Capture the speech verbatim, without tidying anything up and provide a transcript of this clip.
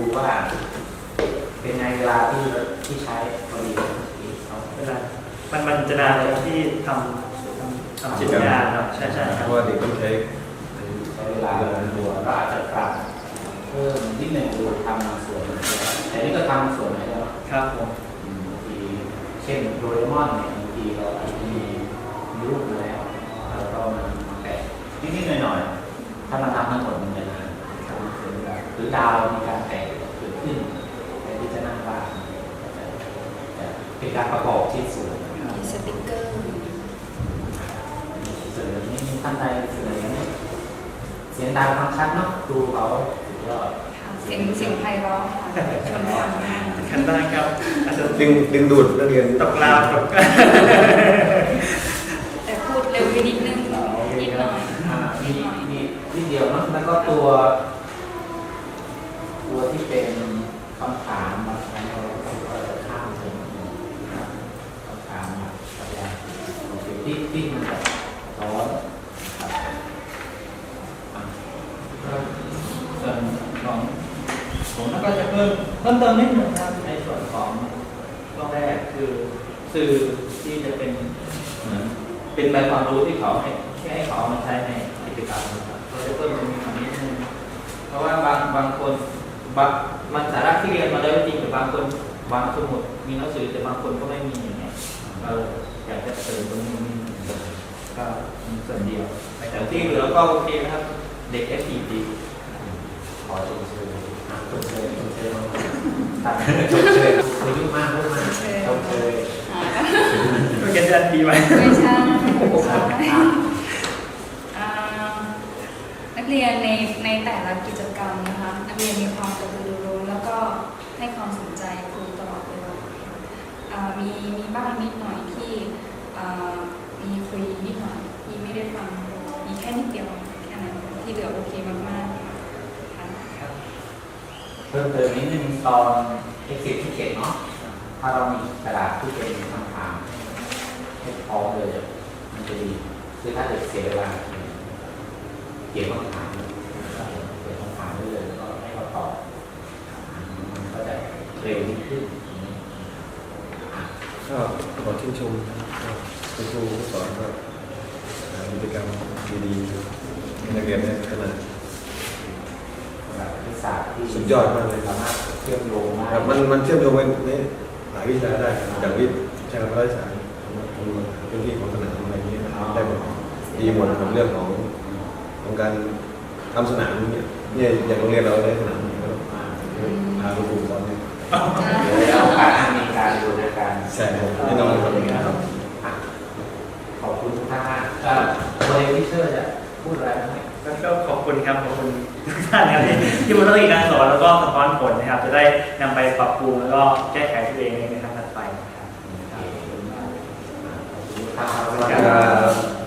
ว่าเป็นไงเวลาที่ที่ใช้พอดีเขาเวลามันมันจะนานเลยที่ทำทำจิตวิทยาครับใช่ใช่ครับเพราะว่าเด็กต้องใช้ใช้เวลาตัวก็อาจจะปรับเพิ่มนิดหนึ่งดูทำบางส่วนแต่นี่ก็ทำส่วนไหนแล้วครับผมบางทีเช่นโดเรมอนเนี่ยบางทีเราอาจจะมีมีรูปมาแล้วแล้วก็มันแตะนิดๆหน่อยๆถ้ามันทำทั้งหมดมันจะนานหรือดาวมีการแตกเกิดขึ้นแทนที่จะนั่งบ้างจะเป็นการประกอบชิ้นส่วนมีสติ๊กเกอร์เสนอนี้ท่านใดเสนอนี้เสียงดังฟังชัดเนาะดูเขาสุดยอดเสียงเสียงไพเราะชวนฟังมากขั้นบ้างครับอาจจะดึงดึงดูดนักเรียนตกราวตกแต่พูดเร็วไปนิดนึงนิดหน่อยอ่านิมีดหน่อยมีนิดเดียวเนาะแล้วก็ตัว ตัวที่เป็นคำถามบางครั้งเราก็จะข้ามไปนะครับคำถามมาสัญญาโอเคที่ที่มันจะร้อนครับอ่ะส่วนของผมก็จะเพิ่มเพิ่มเติมนิดหนึ่งครับในส่วนของช่วงแรกคือสื่อที่จะเป็นเหมือนเป็นใบความรู้ที่เขาให้แค่ให้เขาเอามาใช้ในกิจกรรมนะครับเราจะเพิ่มตรงนี้มานิดนึงเพราะว่าบางบางคนบางมันสาระที่เรียนมาแล้วจริงแต่บางคนวางสมุดมีหนังสือแต่บางคนก็ไม่มีอย่างเงี้ยเราอยากจะเติมตรงนี้นิดนึงก็มีส่วนเดียวแต่ที่เหลือก็โอเคนะครับเด็ก เอฟ พี ดี ขอชมเชยชมเชยชมเชยมาตัดชมเชยเคยยุ่งมากยุ่งมากชมเชยก็เขียนเดือนปีไว้ไม่ใช่อ่านักเรียนในในแต่ละกิจกรรมนะคะนักเรียนมีความกระตือรือร้นแล้วก็ให้ความสนใจครูตลอดเวลาอ่ามีมีบ้างนิดหน่อยที่อ่ามีคุยนิดหน่อยที่ไม่ได้ฟังมีแค่นิดเดียวแค่นั้นที่เหลือโอเคมากๆค่ะเพิ่มเติมนิดนึงตอนเอ็กซิสที่เขียนเนาะถ้าเรามีกระดาษที่เป็นคำถามให้พร้อมเลยมันจะดีคือถ้าเกิดเสียเวลาเขียนคำถามเขียนคำถามได้เลยแล้วก็ให้เขาตอบมันก็จะเร็วยิ่งขึ้นก็ขอชื่นชมคุณครูผู้สอนก็หากิจกรรมดีๆให้นักเรียนได้พัฒนาวิชาที่สุดยอดมากเลยสามารถเชื่อมโยงได้ครับมันมันเชื่อมโยงไปในหลายวิชาได้อย่างวิชาพระราชาพื้นที่ของสนามอะไรนี้ได้หมดดีหมดครับเรื่องของของการทำสนามเนี่ยเนี่ยอย่างโรงเรียนเราได้สนามนี้ก็พาคุณครูสอนเนี่ยแล้วโอกาสมีการดูด้วยกันใช่แน่นอนครับขอบคุณทุกท่านมากก็โมเดลที่เชื่อจะพูดอะไรไหมก็ขอบคุณครับขอบคุณทุกท่านนะครับที่ที่มาต้องอีกการสอนแล้วก็สะท้อนผลนะครับจะได้นำไปปรับปรุงแล้วก็แก้ไขตัวเองในทางถัดไปนะครับขอบคุณครับครับ